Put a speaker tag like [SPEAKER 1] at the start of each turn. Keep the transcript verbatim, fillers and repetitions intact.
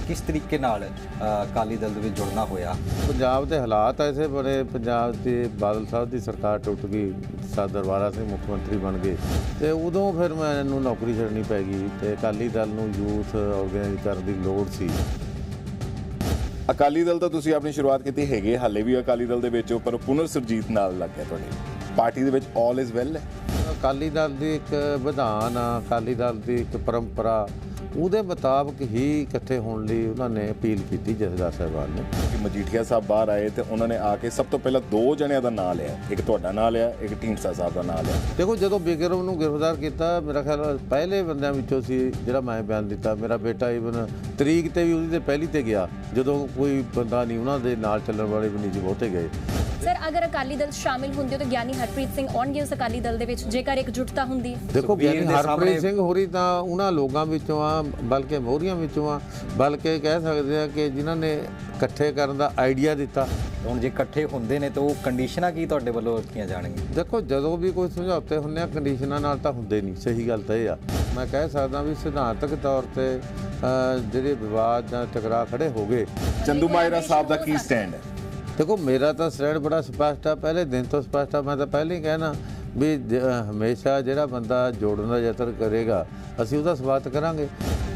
[SPEAKER 1] किस तरीके नाल अकाली दल दे विच जुड़ना होया?
[SPEAKER 2] पंजाब के हालात ऐसे बने, पंजाब के बादल साहब की सरकार टुट गई, सर दरबारा सिंह मुख्य मंत्री बन गए, तो उदों फिर मैनूं नौकरी छड्डनी पै गई तो अकाली दल नूं यूथ ऑर्गेनाइज करने की लोड़ सी।
[SPEAKER 3] अकाली दल तो तुसीं अपनी शुरुआत की हैगी, हाले भी अकाली दल दे विच पर पुनर सुरजीत नाल लग गया तुहाडे पार्टी दे विच ऑल इज़ वैल है।
[SPEAKER 2] अकाली दल की एक विधान आ, अकाली दल की एक परंपरा, ਉਹਦੇ ਮੁਤਾਬਕ ਹੀ ਇਕੱਠੇ ਹੋਣ ਲਈ ਉਹਨਾਂ ਨੇ ਅਪੀਲ ਕੀਤੀ ਜਥੇਦਾਰ ਸਾਹਿਬਾਨ ਨੇ।
[SPEAKER 3] ਕਿ ਮਜੀਠੀਆ ਸਾਹਿਬ ਬਾਹਰ ਆਏ ਤੇ ਉਹਨਾਂ ਨੇ ਆ ਕੇ ਸਭ ਤੋਂ ਪਹਿਲਾਂ ਦੋ ਜਣਿਆਂ ਦਾ ਨਾਂ ਲਿਆ, ਇੱਕ ਤੁਹਾਡਾ ਨਾਂ ਲਿਆ, ਇੱਕ ਢੀਂਡਸਾ ਸਾਹਿਬ ਦਾ ਨਾਂ ਲਿਆ।
[SPEAKER 2] ਦੇਖੋ ਜਦੋਂ ਬਿਕਰਮ ਨੂੰ ਗ੍ਰਿਫਤਾਰ ਕੀਤਾ, ਮੇਰਾ ਖਿਆਲ ਪਹਿਲੇ ਬੰਦਿਆਂ ਵਿੱਚੋਂ ਸੀ ਜਿਹੜਾ ਮੈਂ ਬਿਆਨ ਦਿੱਤਾ। ਮੇਰਾ ਬੇਟਾ ਈਵਨ ਤਰੀਕ ਤੇ ਵੀ ਉਹਦੀ ਤੇ ਪਹਿਲੀ ਤੇ ਗਿਆ, ਜਦੋਂ ਕੋਈ ਬੰਦਾ ਨਹੀਂ ਉਹਨਾਂ ਦੇ ਨਾਲ ਚੱਲਣ ਵਾਲੇ ਵੀ ਨਹੀਂ ਜੀ ਬਹੁਤੇ ਗਏ।
[SPEAKER 4] सर अगर अकाली दल शामिल होंगे तो ज्ञानी हरप्रीत सिंह आउणगे उस अकाली दल दे विच जेकर एकजुटता हुंदी?
[SPEAKER 2] देखो ज्ञानी हरप्रीत सिंह होरी तां उन्हां लोगां विचों आ, बल्कि मोहरियां विचों आ, बल्कि कह सकते हैं कि जिन्हां ने इकट्ठे करन दा आइडिया दिता।
[SPEAKER 1] ਹੁਣ ਜੇ ਇਕੱਠੇ ਹੁੰਦੇ ਨੇ ਤਾਂ ਉਹ ਕੰਡੀਸ਼ਨਾਂ ਕੀ ਤੁਹਾਡੇ ਵੱਲੋਂ ਰੱਖੀਆਂ ਜਾਣਗੀਆਂ?
[SPEAKER 2] ਦੇਖੋ ਜਦੋਂ ਵੀ ਕੋਈ ਸਮਝੌਤੇ ਹੁੰਦੇ ਆ ਕੰਡੀਸ਼ਨਾਂ ਨਾਲ ਤਾਂ ਹੁੰਦੇ ਨਹੀਂ, ਸਹੀ ਗੱਲ ਤਾਂ ਇਹ ਆ। ਮੈਂ ਕਹਿ ਸਕਦਾ ਵੀ ਸਿਧਾਂਤਕ ਤੌਰ ਤੇ ਜਿਹੜੇ ਵਿਵਾਦ ਜਾਂ ਟਕਰਾਅ ਖੜੇ ਹੋ ਗਏ।
[SPEAKER 3] ਚੰਦੂ ਮਾਜਰਾ ਸਾਹਿਬ ਦਾ ਕੀ ਸਟੈਂਡ ਹੈ?
[SPEAKER 2] देखो मेरा तो स्टैंड बड़ा स्पष्ट है, पहले दिन तो स्पष्ट है। मैं तो पहले ही कहना भी हमेशा जो बंदा जोड़न का यतन करेगा असीं उसदा स्वागत करांगे।